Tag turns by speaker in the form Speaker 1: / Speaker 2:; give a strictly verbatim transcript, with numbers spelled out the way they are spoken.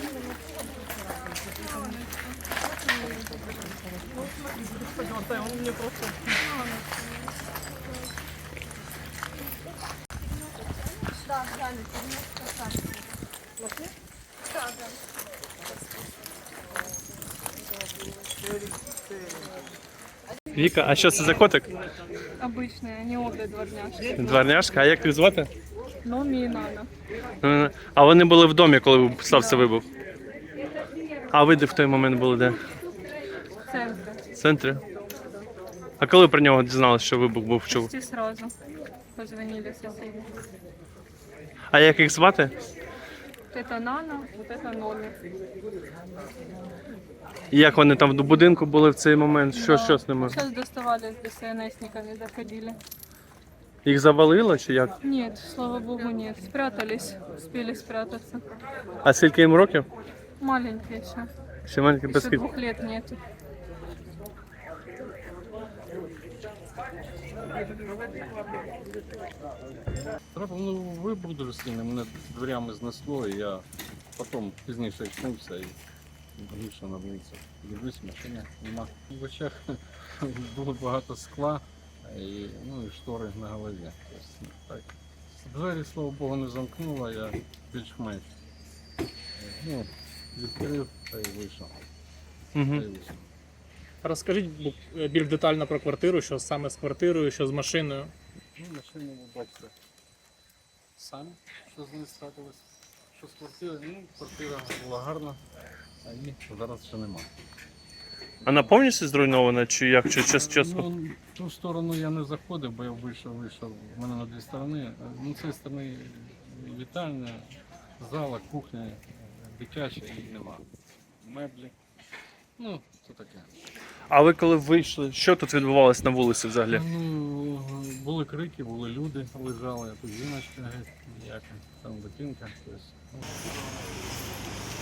Speaker 1: Он мне просто... Да, да, да, да.
Speaker 2: Віка, а що це за котик?
Speaker 1: Обычные, они обе дворняжки.
Speaker 2: Дворняжка, а як їх звати?
Speaker 1: Номі і Нана.
Speaker 2: Е, А вони були в домі, коли стався вибух? А ви де в той момент були де?
Speaker 1: В центре.
Speaker 2: В центрі? А коли про нього дізналися, що вибух був? Чув?
Speaker 1: Почти сразу позвонили соседи.
Speaker 2: А як їх звати?
Speaker 1: Вот это Нана, вот это Номи.
Speaker 2: І як вони там в будинку були в цей момент? Що, що з ними?
Speaker 1: Сейчас доставали с ДСНСниками, заходили.
Speaker 2: Їх завалило чи як?
Speaker 1: Нет, слава богу, нет. Спрятались, успели спрятаться.
Speaker 2: А скільки їм років?
Speaker 1: Маленькие еще.
Speaker 2: Ще маленький
Speaker 1: Еще
Speaker 2: баскет.
Speaker 1: двух лет нету.
Speaker 3: Трапив вибух дуже сильний, мене дверями знесло, і я потім пізніше очнувся і більше набився. Дивлюсь, машини нема. В очах було багато скла і, ну, і штори на голові. Тобто, так. Двері, слава Богу, не замкнуло, я більш-менш ну, відкрив та й вийшов.
Speaker 2: Угу.
Speaker 3: Та й вийшов.
Speaker 4: Розкажіть бу- більш детально про квартиру, що саме з квартирою, що з машиною.
Speaker 3: Ну, машину ви бачите самі, що з нею трапилось. Що з квартири, ну, квартира була гарна, а її зараз ще нема.
Speaker 2: Вона повністю зруйнована чи як? Чи час часу?
Speaker 3: Ну, в ту сторону я не заходив, бо я вийшов, вийшов. У мене на дві сторони. Ну, з цієї сторони вітальня, зала, кухня, дитяча і нема. Меблі. Ну, це таке.
Speaker 2: А ви коли вийшли, що тут відбувалося на вулиці взагалі?
Speaker 3: Ну, були крики, були люди, лежали, а тут жіночка геть ніяка, там дитинка. Тобто, ну.